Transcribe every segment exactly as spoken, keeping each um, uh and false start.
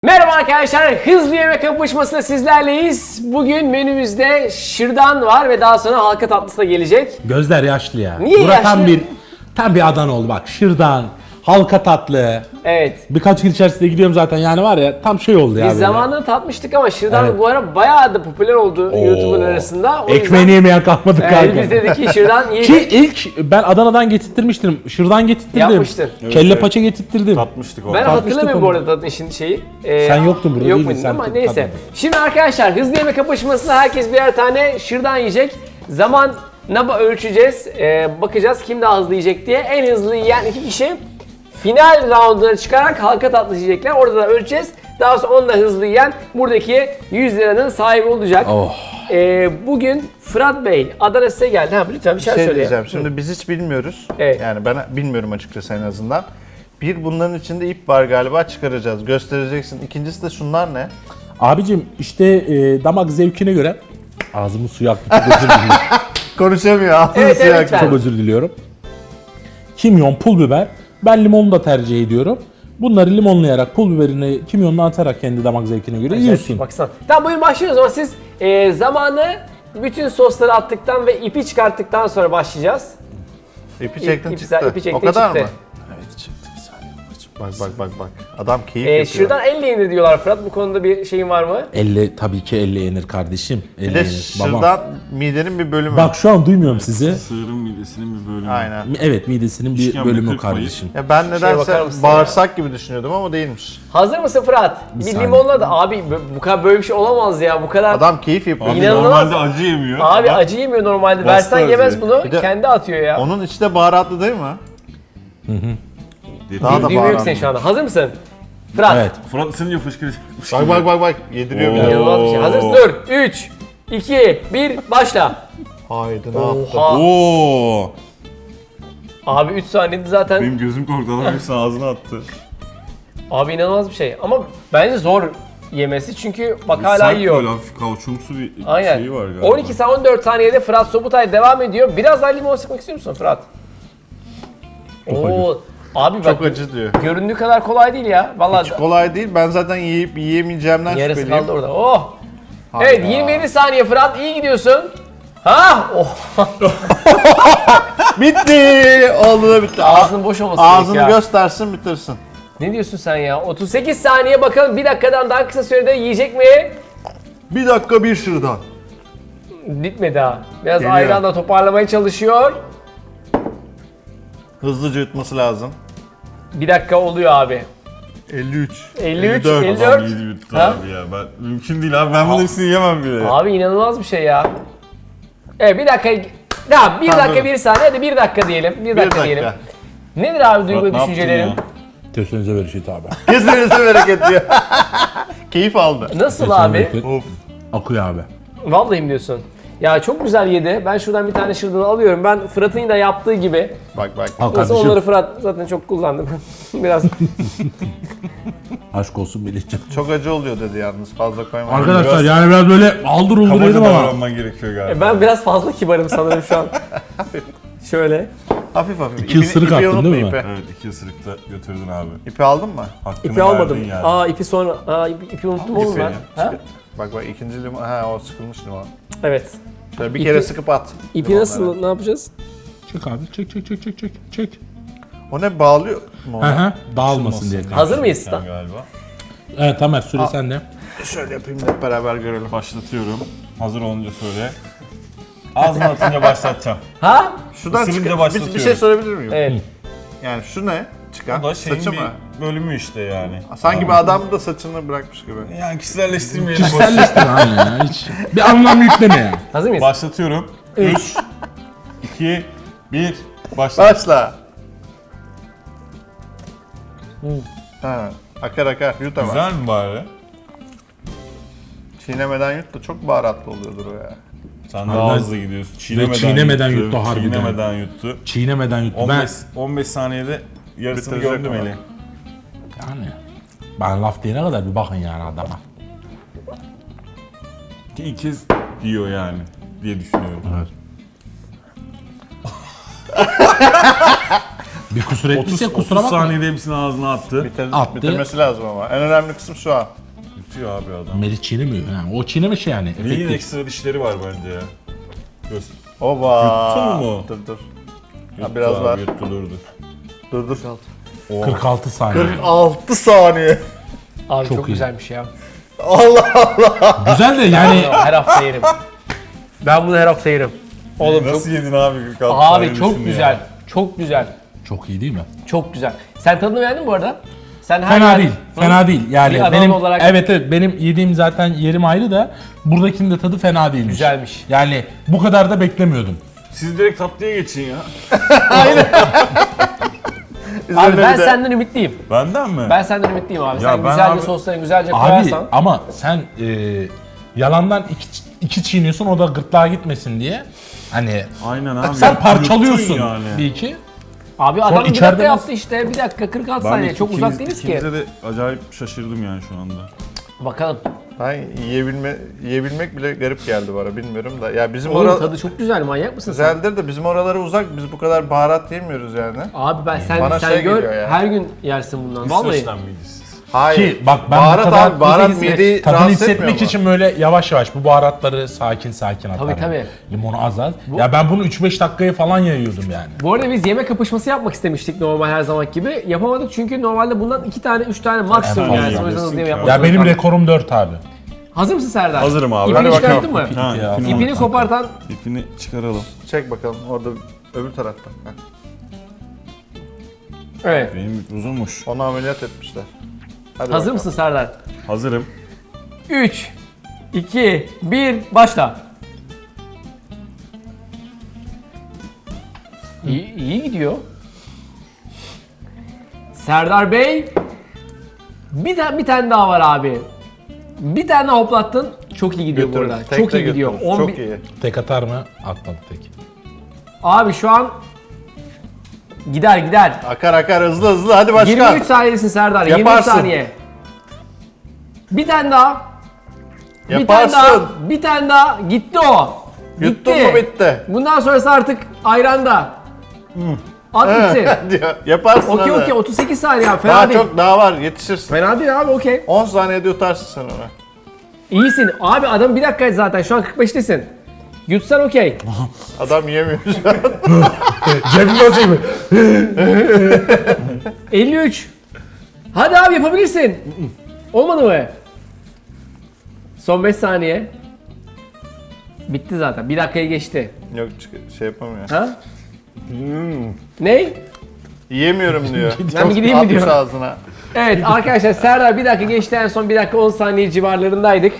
Merhaba arkadaşlar, hızlı yemek kapışmasında sizlerleyiz. Bugün menümüzde şırdan var ve daha sonra halka tatlısı da gelecek. Gözler yaşlı ya. Niye Bura yaşlı? Tam bir, tam bir Adana oldu bak. Şırdan, halka tatlı. Evet. Birkaç gün içerisinde gidiyorum zaten yani var ya tam şey oldu ya Biz böyle. zamanında tatmıştık ama şırdan Evet. bu ara bayağı da popüler oldu YouTube'un arasında. O Ekmeğini yüzden, yemeyen kalmadı e, kanka. biz dedik ki şırdan Ki yiyelim. ilk ben Adana'dan getirttirmiştim. Şırdan getirttirdim. Yapmıştın. Kelle evet. paça getirttirdim. Tatmıştık o. Ben Tartıştık hatırlamıyorum bu onu. arada tadın işin şeyi. Ee, Sen yoktun burada, Yok değildin, muydun sen ama tat- neyse. tatmadın. Şimdi arkadaşlar hızlı yemek kapışmasında herkes birer tane şırdan yiyecek. Zaman naba ölçeceğiz. Ee, bakacağız kim daha hızlı yiyecek diye. En hızlı yiyen iki kişi final rounduna çıkarak halka tatlısı yiyecekler. Orada da ölçeceğiz. Daha sonra onu da hızlı yiyen buradaki yüz liranın sahibi olacak. Oh. Ee, bugün Fırat Bey Adana size geldi. Ha, lütfen bir şey, şey söyle. diyeceğim. Şimdi biz hiç bilmiyoruz. Evet. Yani ben bilmiyorum açıkçası en azından. Bir, bunların içinde ip var galiba, çıkaracağız. Göstereceksin. İkincisi de şunlar ne? Abicim işte e, damak zevkine göre ağzımın suyu aktı. Çok özür diliyorum. Konuşamıyor. Ağzını Evet, suya evet, akıyor. lütfen. Çok özür diliyorum. Kimyon, pul biber. Ben limonlu da tercih ediyorum. Bunları limonlayarak, pul biberini kimyonla atarak kendi damak zevkine göre yiyorsun. Baksana. Tamam buyurun başlıyoruz o zaman siz e, zamanı bütün sosları attıktan ve ipi çıkarttıktan sonra başlayacağız. İpi İp- çektin ip- çıktı. ipi çektin, o kadar çıktı. mı? Evet çıktı bir saniye babacığım. Bak bak bak bak. Adam keyif E, yapıyor. şuradan elle yenir diyorlar Fırat. Bu konuda bir şeyin var mı? Elle tabii ki elle yenir kardeşim. Elle Bir de yenir. Babam. şırdan midenin bir bölümü. Bak şu an duymuyorum sizi. Sığırın midesinin bir bölümü. Aynen. Evet midesinin bir İşkembe bölümü kırpmayı. kardeşim. Ya ben bakar nedense mısın bağırsak gibi düşünüyordum ama değilmiş. Hazır mısın Fırat? Bir, saniye. limonla da abi bu- bu kadar böyle bir şey olamaz ya. Bu kadar Adam keyif yapıyor. Abi İnanılmaz. normalde acı yemiyor. abi Bak, acı yemiyor normalde. Bastı Versen yemez acıyı. bunu. Bir de- Kendi atıyor ya. Onun içi de baharatlı değil mi? dedi. Daha da Duymuyor ki baharatlı. sen şu anda. Hazır mısın? Fırat. Evet. Fırat ısınınca fışkırıyor. Bak bak bak bak. Yediriyor bir de. İnanılmaz bir şey. Hazır mısın? Dur. üç, iki, bir, başla. Haydi ne yaptı? Oha. Oo. Abi üç saniyede zaten. Benim gözüm korktu, adam hepsini ağzına attı. Abi inanılmaz bir şey. Ama bence zor yemesi çünkü bak hala Sert yiyor. böyle hafif kauçumsu bir Aynen. şeyi var galiba. on iki sa- on dört saniyede Fırat Sobutay devam ediyor. Biraz daha limon sıkmak istiyor musun Fırat? Oo. Abi bak Çok acı diyor. göründüğü kadar kolay değil ya. Vallahi Hiç kolay değil. Ben zaten yiyip yiyemeyeceğimden yarısı şüpheliyim. kaldı orada. Oh. Hayda. Evet yirmi yedi saniye Fırat iyi gidiyorsun. Ha? Oh. Bitti. Oldu da bitti. Ağzının boş olması Ağzını gerek ya. göstersin bitirsin. Ne diyorsun sen ya? otuz sekiz saniye bakalım bir dakikadan daha kısa sürede yiyecek mi? Bir dakika bir şırdan. Bitmedi ha. Biraz Geliyor. ayranla toparlamaya çalışıyor. Hızlıca yutması lazım. Bir dakika oluyor abi. elli üç. elli üç, elli dört. elli Adam dört. yedi bitti Ha? abi ya. Ben, mümkün değil abi, ben bunun hepsini yemem bile. Abi inanılmaz bir şey ya. Evet bir dakika. Tamam bir Tamam, dakika dur. bir saniye hadi bir dakika diyelim. Bir Bir dakika, dakika. diyelim. Nedir abi duygu Fırat, ve ne yaptın düşüncelerin? ya? Kesinize bereket abi. Kesinlikle bereket diyor. Keyif aldı. Nasıl Kesinize abi? bereket. Of. Akıyor abi. Vallahi mi diyorsun? Ya çok güzel yedi. Ben şuradan bir tane şırdanı alıyorum. Ben Fırat'ın da yaptığı gibi. Bak bak. Al Nasıl kardeşim. onları Fırat zaten çok kullandım. Biraz Aşk olsun Melih'ciğim. Çok acı oluyor dedi yalnız. Fazla koyma. Arkadaşlar Biraz- yani biraz böyle aldır uldur Kabaca yedim ama. davranman gerekiyor galiba. E, ben biraz fazla kibarım sanırım şu an. Şöyle. Hafif hafif. İki ısırık attın unutma, değil mi? Ipi. Evet, iki ısırıkta götürdün abi. İpi aldın mı? Hakkını İpi almadım. verdin yani. Aa ipi sonra. Aa ipi, ipi unuttum oğlum ben. İpi. Ha? Bak bak ikinci limon. Ha o sıkılmış limon. Evet. Şöyle bir İpi- kere sıkıp at. İpi limonları. nasıl? Ne yapacağız? Çek abi çek çek çek çek çek. Çek. O ne bağlıyor mu Hı ona? hı. Dağılmasın diye. Hazır mıyız? Sen galiba. Evet Tamer süre sende. Şöyle yapayım da hep beraber görelim. Başlatıyorum. Hazır olunca söyle. Ağzına atınca başlatacağım. Ha? Şuradan Isırınca çıkan bir, bir başlatıyorum. şey sorabilir miyim? Evet. Yani şu ne? Çıkan Bu da şeyin saçı bir mı? bölümü işte yani. Sanki bir adam da saçını bırakmış gibi. Yani kişiselleştirmeyelim. Kişiselleştir abi ya hiç. Bir anlam yükleme ya. Hazır mıyız? Başlatıyorum. Üç. üç, iki, bir, başla. Başla. Ha, akar akar yut ama. Güzel mi bari? Çiğnemeden yut da çok baharatlı oluyordur o ya. Sen daha hızlı gidiyorsun. Çiğnemeden, çiğnemeden yuttu harbiden. Çiğnemeden yuttu. Çiğnemeden yuttu. Ben, 15, on beş saniyede yarısını Bitirecek gömdüm ama. eli. yani ben laf diyene kadar bir bakın yani adama. Ki ilk kez diyor yani diye düşünüyorum. Evet. Bir kusur otuz, ettiyse otuz kusura bakma. saniyede hepsini ağzına attı. Bitir, Attı. bitirmesi lazım ama. En önemli kısım şu an. Bitiyor abi adam. Melih çiğnemiyor. Ha, o çiğnemiş yani. Neyin Efektif. ekstra dişleri var bence ya. Göster. Oba. Yuttun mu? Dur dur. Yuttu biraz abi, var. Yuttu durdu. Dur dur. kırk altı saniye. kırk altı saniye. Abi çok, Çok iyi. güzelmiş ya. Allah Allah. Güzel de yani Her hafta yerim. Ben bunu her hafta yerim. Oğlum çok... Nasıl yedin abi kırk altı Abi saniye çok düşün güzel. ya. Çok güzel. çok iyi değil mi? Çok güzel. Sen tadını beğendin mi bu arada? Sen her Fena yer- değil. Hı? Fena değil. Yani Bir adam benim olarak- evet evet benim yediğim zaten yerim ayrı da buradakinin de tadı fena değilmiş. Güzelmiş. Yani bu kadar da beklemiyordum. Siz direkt tatlıya geçin ya. Abi ben bir de- senden ümitliyim. Benden mi? Ben senden ümitliyim abi. Ya Sen ben güzelce abi- soslarını güzelce Abi koyarsan. ama sen e, yalandan iki, iki çiğniyorsun o da gırtlağa gitmesin diye. Hani Aynen abi. sen Yuttun parçalıyorsun yani. bir iki. Abi adam bir içeride dakika nasıl- yaptı işte. Bir dakika kırk altı Ben saniye. de Çok ikiniz- uzak değiliz ki. ikinize de acayip şaşırdım yani şu anda. Bakalım. Ben yiyebilme, yiyebilmek bile garip geldi bana bilmiyorum da. Ya bizim Oğlum oralar tadı çok güzel. Manyak mısın sen? güzeldir de bizim oralara uzak. Biz bu kadar baharat yemiyoruz yani. Abi ben sen Bana sen şey gör geliyor ya. her gün yersin bundan. Vallahi. İsveç'ten miydi siz? Hayır. Ki bak ben baharat bu kadar abi, baharat Bizi mideyi tadını rahatsız etmiyor hissetmek mu? için böyle yavaş yavaş bu baharatları sakin sakin atarım. Tabii, tabii. Limonu az az. Ya ben bunu üç beş dakikaya falan yayıyordum yani. Bu arada biz yemek kapışması yapmak istemiştik normal her zaman gibi. Yapamadık çünkü normalde bundan iki tane, üç tane maksimum En yani. fazla O yüzden hızlı yemesin yemek ki yapmak Ya zorunda benim kaldık. rekorum dört abi. Hazır mısın Serdar? Hazırım abi. İpini Hadi çıkarttın mı? Ha, Ya, ipini, İpini kopartan ipini çıkaralım. Çek bakalım orada öbür taraftan. Heh. evet. Benim ip uzunmuş. Onu ameliyat etmişler. Hadi Hazır bakalım. mısın Serdar? Hazırım. üç, iki, bir, başla. İyi, iyi gidiyor. Serdar Bey, bir tane bir tane daha var abi. Bir tane daha hoplattın. Çok iyi gidiyor bu Götürür. arada. Tek Çok de iyi gidiyor. götürür. on Çok bir- iyi. Tek atar mı? Atmadı tek. Abi şu an gider gider. Akar akar hızlı hızlı hadi başka. yirmi üç saniyesin Serdar. yirmi üç Yaparsın. saniye. Bir tane daha. Bir tane Yaparsın. daha. Bir tane daha. Gitti o. Yuttun mu bitti. Bundan sonrası artık ayranda. At gitsin. diyor. Yaparsın Okey hadi. okey otuz sekiz saniye abi. Fena Daha değil. çok daha var yetişirsin. Fena değil abi okey. on saniyede yutarsın sen onu. İyisin. Abi adam bir dakika zaten şu an kırk beştesin. Yutsan okey. Adam yiyemiyor şu an. Cebim nasıl mı? elli üç. Hadi abi yapabilirsin. Olmadı mı? Son beş saniye. Bitti zaten. Bir dakikayı geçti. Yok çık- şey yapamıyor. Ha? Ne? Yiyemiyorum diyor. Ben bir gideyim mi Atmış diyor. ağzına. Evet arkadaşlar Serdar bir dakika geçti en son bir dakika on saniye civarlarındaydık.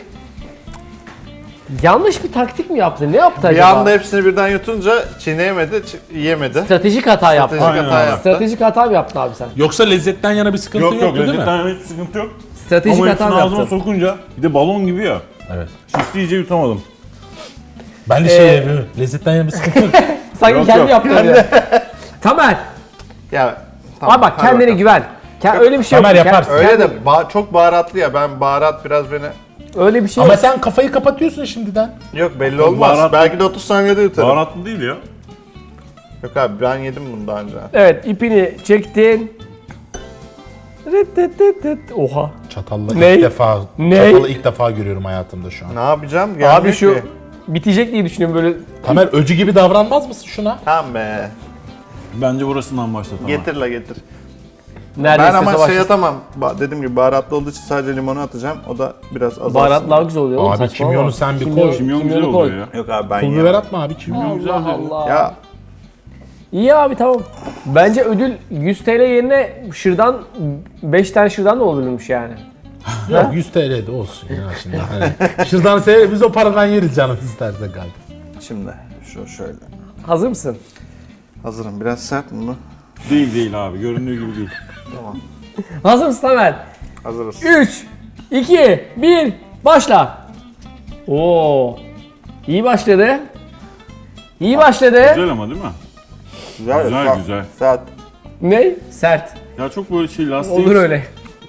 Yanlış bir taktik mi yaptı? Ne yaptı Bir acaba? anda hepsini birden yutunca çiğneyemedi, çi- yiyemedi. Stratejik hata yaptı. Stratejik hata Aynen. yaptı. Stratejik hata mı yaptın abi sen? Yoksa lezzetten yana bir sıkıntı Yok yok yoktu değil mi? lezzetten hiç sıkıntı yok. Stratejik Ama hata hepsini mı ağzıma yaptın? sokunca bir de balon gibi ya. Evet. Şişti iyice yutamadım. Ben de Ee, şey yapıyorum. Lezzetten yana bir sıkıntı yok. Sanki Yok, kendi yok. yaptı öyle. Tamer. Ya tamam, Abi bak hadi kendine bakalım. güven. Ke- öyle bir şey yok. Tamer Ke- yaparsın. Öyle de ba- çok baharatlı ya. Ben baharat biraz beni... Öyle bir şey Ama yok. sen kafayı kapatıyorsun şimdiden. Yok belli Çok olmaz. baharatlı. Belki de otuz saniyede yutarım. Baharatlı değil ya. Yok abi ben yedim bunu daha önce. Evet ipini çektin. Rıt tıt tıt tıt. Oha. Çatalla Ne? ilk defa Ne? çatalı ilk defa görüyorum hayatımda şu an. Ne yapacağım? Gelmiyor Abi şu ki. bitecek diye düşünüyorum böyle. Tamer öcü gibi davranmaz mısın şuna? Tamam be. Bence burasından başla tamam. Getir la getir. Neredeyse Ben ama savaş. şey atamam. Ba- dediğim gibi baharatlı olduğu için sadece limonu atacağım. O da biraz azalsın. Baharatlar güzel oluyor oğlum. Abi saçmalama. kimyonu sen bir Kimyon- koy. Kimyon güzel kimyonu koy. oluyor ya. Yok abi ben Pul biber yiyemem. atma abi kimyon. güzel Allah oluyor. Allah. Ya İyi abi tamam. Bence ödül yüz T L yerine şırdan beş tane şırdan da olabilirmiş yani. Yok yüz T L de olsun ya şimdi. Hani, şuradan seyre biz o paradan yeriz canım isterse galiba. şimdi şu şöyle. Hazır mısın? Hazırım. Biraz sert mi bu? Değil değil abi göründüğü gibi değil. Hazır mısın Tamer? Hazırız. üç, iki, bir, başla. Oo. İyi başladı. İyi başladı. Güzel ama değil mi? Güzel, Güzel, sert. güzel. Sert. Ne? Sert. Ya çok böyle şey lastik. Olur öyle.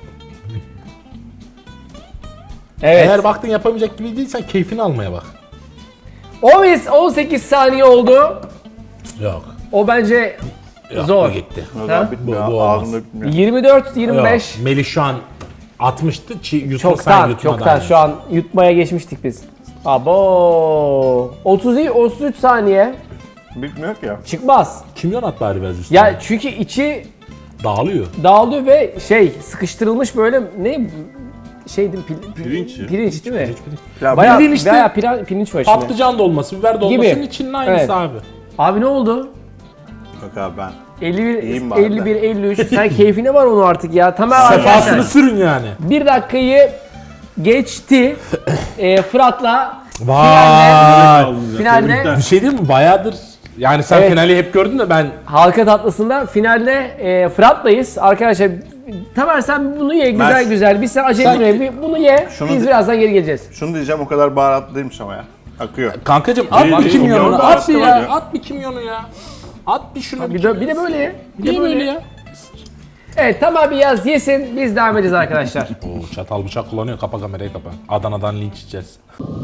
Evet. Eğer baktın yapamayacak gibi değilsen keyfini almaya bak. on sekiz saniye oldu. Yok. O bence Yok, zor. bu gitti. O Ha? zaman bitmiyor. Bu- bu olmaz. Ağzımda bitmiyor. yirmi dört yirmi beş. Yok, Melih şu an atmıştı. Çi, yutma, sen Çoktan, yutmadan çoktan. yani. Şu an yutmaya geçmiştik biz. Abo. otuz otuz üç saniye Bitmiyor ki ya. çıkmaz. Kimyon at bari biraz üstüne. Ya çünkü içi Dağılıyor. dağılıyor ve şey sıkıştırılmış böyle ne şeydi pil, Pirinç. pirinç değil mi? Ya Bayağı, bildiğin işte bayağı pirinç, pirinç var içinde. Patlıcan dolması, biber dolmasının Gibi. içinin aynısı Evet. abi. Abi ne oldu? Yok abi ben. elli İyiyim bir, bari elli bir, elli üç. Sen keyfine var onu artık ya. Tamam Sefasını arkadaşlar. sürün yani. Bir dakikayı geçti. Ee, Fırat'la Vay. finalde Bir şey değil mi? Bayağıdır. Yani sen Evet. finali hep gördün de ben halka tatlısında finalde e, Fırat'layız. Arkadaşlar Tamer sen bunu ye güzel Ben- güzel. Biz sen acele Sen- etme. Bir bunu ye. Şunu Biz de- birazdan geri geleceğiz. Şunu diyeceğim, o kadar baharatlıymış ama ya. Akıyor. kankacım at Değil, bir değil. kimyonunu, Kimyon da at bir var ya, ya. at bir kimyonu ya. At bir şunu. Bir de, bir de böyle ye. Bir de Niye böyle ya? Evet Tamer bir yaz yesin. Biz devam edeceğiz arkadaşlar. Oo, çatal bıçak kullanıyor. Kapa kamerayı kapa. Adana'dan linç yiyeceğiz.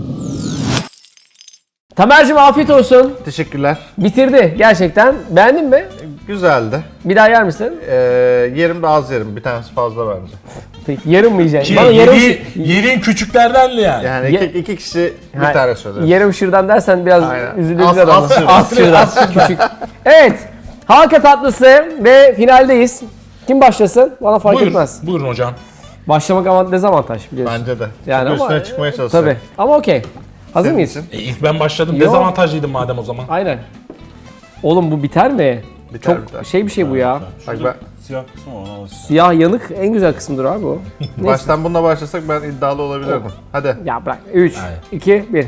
Tamer'cim afiyet olsun. Teşekkürler. Bitirdi gerçekten. Beğendin mi? Güzeldi. Bir daha yer misin? Ee, yerim de az yerim. Bir tanesi fazla bence. Peki yarım mı yiyeceksin? Ki Bana yarım, yedi, yediğin küçüklerden de yani. Yani Ye- iki, iki kişi bir Ha, tane söyler. yarım şırdan dersen biraz Aynen. üzülürüz Az- adamı. az şırdan. Az şırdan. Küçük. Evet. Halka tatlısı ve finaldeyiz. Kim başlasın? Bana fark Buyur, etmez. buyurun hocam. Başlamak avant dezavantaj biliyorsun. Bence de. Yani Çok ama- üstüne çıkmaya çalışacağım. Tabii. Ama okey. Hazır Senin mıyız? için. E, ilk ben başladım. Yo. Dezavantajlıydım madem o zaman. Aynen. Oğlum bu biter mi? Biter, Çok biter. şey bir şey bu ya. Bak ben, Siyah kısmı var, ona alışsın. Siyah yanık en güzel kısmıdır abi o. Neyse. baştan bununla başlasak ben iddialı olabilirdim. Hadi. Ya bırak. üç, Aynen. iki, bir.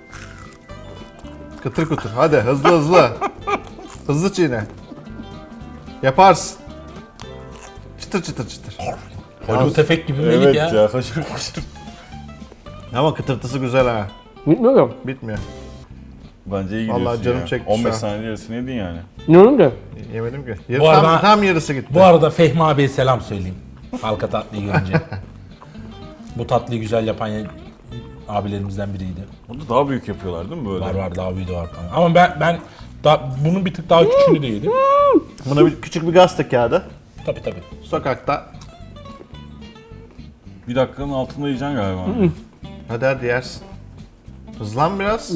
Kıtır kıtır. Hadi hızlı hızlı. hızlı çiğne. Yaparsın. Çıtır çıtır çıtır. Hollywood efekt gibi Melih Evet ya. ya, kaşır kaşır. Ama kıtırtısı güzel ha. Bilmiyorum. Bitmiyor. Bence iyi Vallahi gidiyorsun canım ya. çekti on beş şu an. saniye yarısını yedin yani. Ne oldu? Yemedim ki. Yarı, Bu tam, arada- tam yarısı gitti. Bu arada Fehmi abiye selam söyleyeyim. Halka tatlıyı görünce. Bu tatlıyı güzel yapan ya- abilerimizden biriydi. Onu da daha büyük yapıyorlar değil mi böyle? Var var daha büyüğü de var. kanka. Ama ben ben da, bunun bir tık daha küçüğünü de yedim. Buna bir, küçük bir gazete kağıdı. Tabii tabii. Sokakta. Bir dakikanın altında yiyeceksin galiba. Hadi hadi yersin. Hızlan biraz.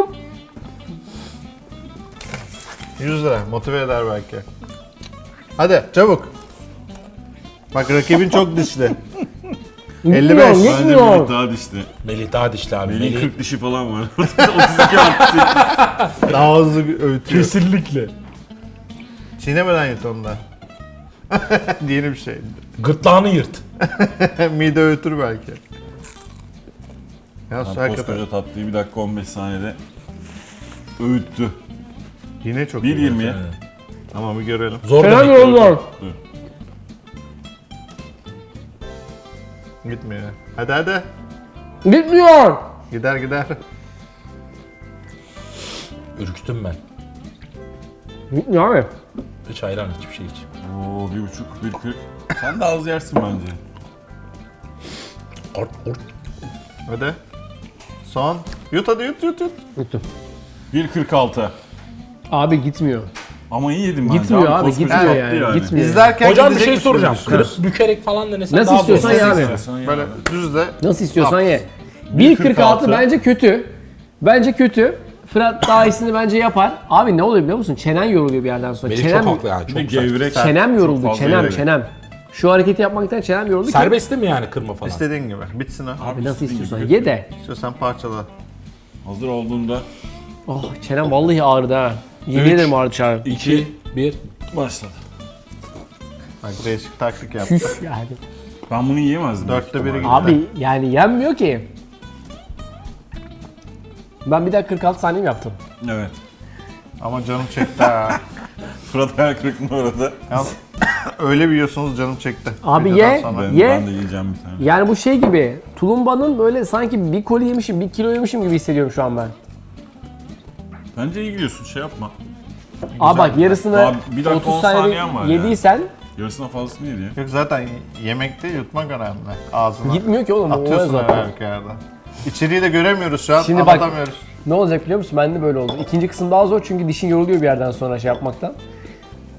yüz lira. Motive eder belki. Hadi çabuk. Bak rakibin çok dişli. elli beş. Gitmiyor, Bence gitmiyor. Melih daha dişli. Melih daha dişli abi. Melih'in Melih kırk dişi falan var. otuz iki artı. Daha hızlı öğütüyor. kesinlikle. Çiğnemeden yut onu da. Yeni bir şey. Gırtlağını yırt. Mide öğütür belki. Ya Lan hakikaten. koskoca tatlıyı bir dakika on beş saniyede öğüttü. Yine çok bir iyi. yirmiye. Tamam bir görelim. Zor Fena demek. bir yol var. Dur. Gitmiyor. Hadi hadi. Gitmiyor. Gider gider. Ürktüm ben. Gitmiyor abi. Hiç hayran hiçbir şey hiç. Oo bir buçuk, bir kırk. Sen de az yersin bence. Ort, ort. Hadi. Son. Yut hadi yut yut yut. Yuttum. bir kırk altı. Abi gitmiyor. Ama iyi yedim bence. Gitmiyor abi, koskoca gitmiyor tatlı yani, gitmiyor. İzlerken Hocam bir gidecek şey misin soracağım. düşünüyorsun? Kırıp bükerek falan denesen Nasıl daha istiyorsan doğru. ya abi. İstiyorsan ye Böyle abi. düz de. Nasıl istiyorsan Yap. ye. bir kırk altı bir kırk altı bence kötü. Bence kötü. Fırat daha iyisini bence yapar. Abi ne oluyor biliyor musun? Çenen yoruluyor bir yerden sonra. Melih çenem, çok haklı yani. Bir Çok de güzel. gevrek. çenem Çok yoruldu. fazla Çenem, gevrek. çenem. Şu hareketi yapmaktan çenem yoruldu ki. Serbest değil mi yani kırma falan? İstediğin gibi. Bitsin ha. Abi nasıl istediğin istiyorsan gibi. ye de. İstiyorsan parçala. Hazır olduğunda Oh çenem vallahi ağrıdı ha. Yemin Üç. ederim ağrıdı çağrı. iki, bir. başladı. Bak değişik taktik yaptı. Küf yani. Ben bunu yiyemezdim. Dörtte biri gitti. Abi yani yenmiyor ki. Ben bir dakika kırk altı saniye mi yaptım? Evet. Ama canım çekti ha. Fırat hayal kırıklığında orada. Yalnız öyle bir yiyorsunuz canım çekti. Abi Videodan ye. sonra. Ben, Ye. ben de yiyeceğim bir tane. Yani bu şey gibi. Tulumbanın böyle sanki bir koli yemişim, bir kilo yemişim gibi hissediyorum şu an ben. Bence iyi gidiyorsun, şey yapma. Abi bak yarısını Daha bir dakika otuz on saniyede saniyen var yediysen Yarısından fazlasını yedi ya. Yok zaten yemekte yutmak önemli. Ağzına. gitmiyor ki oğlum. O Atıyorsun zaten. her yerde. İçeriği de göremiyoruz şu an. Şimdi bak-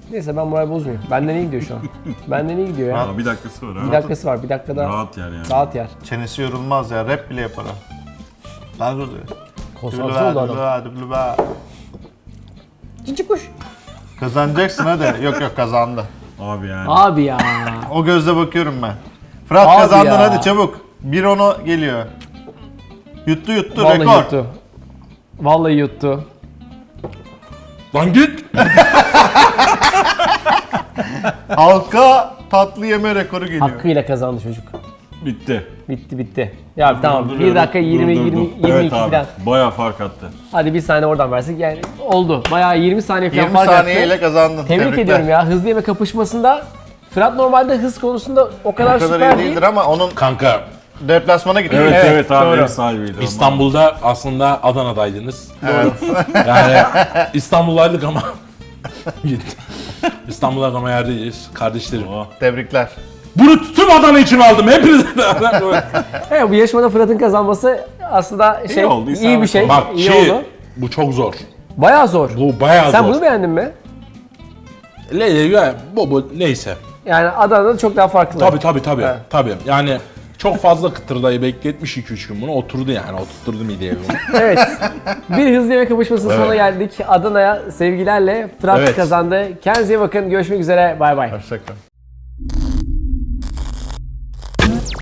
Neyse ben moral bozmuyorum. Benden iyi gidiyor şu an. Benden iyi gidiyor ya. Aa, bir dakikası var ha. Bir dakikası var. Bir dakikada Rahat yer yani. rahat yer. Çenesi yorulmaz ya. Rap bile yapar ha. Lan oluyor. Konsantre oldu adam. Cici kuş. Kazanacaksın hadi. Yok yok kazandı. Abi yani. Abi ya. O gözle bakıyorum ben. Fırat Abi kazandın ya. hadi çabuk. bir onu geliyor. Yuttu yuttu Vallahi rekor. yuttu. Vallahi yuttu. Lan git. Halka tatlı yeme rekoru geliyor. Hakkıyla kazandı çocuk. Bitti. Bitti bitti. Ya tamam. bir Durduruyorum, dakika yirmi durdurdum. yirmi yirmi Evet iki abi, falan. bayağı fark attı. Hadi bir saniye oradan versek yani oldu. Bayağı yirmi saniye falan yirmi fark saniyeyle attı. kazandın. Tebrik Tebrikler. ediyorum ya. Hızlı yeme kapışmasında Fırat normalde hız konusunda o kadar, O kadar süper iyi değil. değildir ama onun Kanka deplasmana gitti. Evet evet, Evet, abi doğru. ev sahibiydi. ondan. İstanbul'da aslında Adana'daydınız. Evet. Yani İstanbul'daydık ama gitti. İstanbul'da ama yerdeyiz kardeşlerim. Oh. Tebrikler. Bunu tüm Adana için aldım hepinize. Evet, bu yarışmada Fırat'ın kazanması aslında şey iyi, oldu, bir isabet şey. oldu. Bak iyi ki oldu. bu çok zor. Bayağı zor. Bu bayağı Sen zor. bunu beğendin mi? Le, bu, bu neyse. Yani Adana'da çok daha farklı. Tabii tabii tabii. Evet. Tabii. Yani çok fazla kıtırdayı bekletmiş iki üç gün bunu. Oturdu yani. Oturtturdu mideye bunu. Evet. Bir hızlı yemek kapışmasının sonuna geldik. Adana'ya sevgilerle Fırat Evet. kazandı. Kendinize iyi bakın. Görüşmek üzere. Bay bay. Hoşçakalın.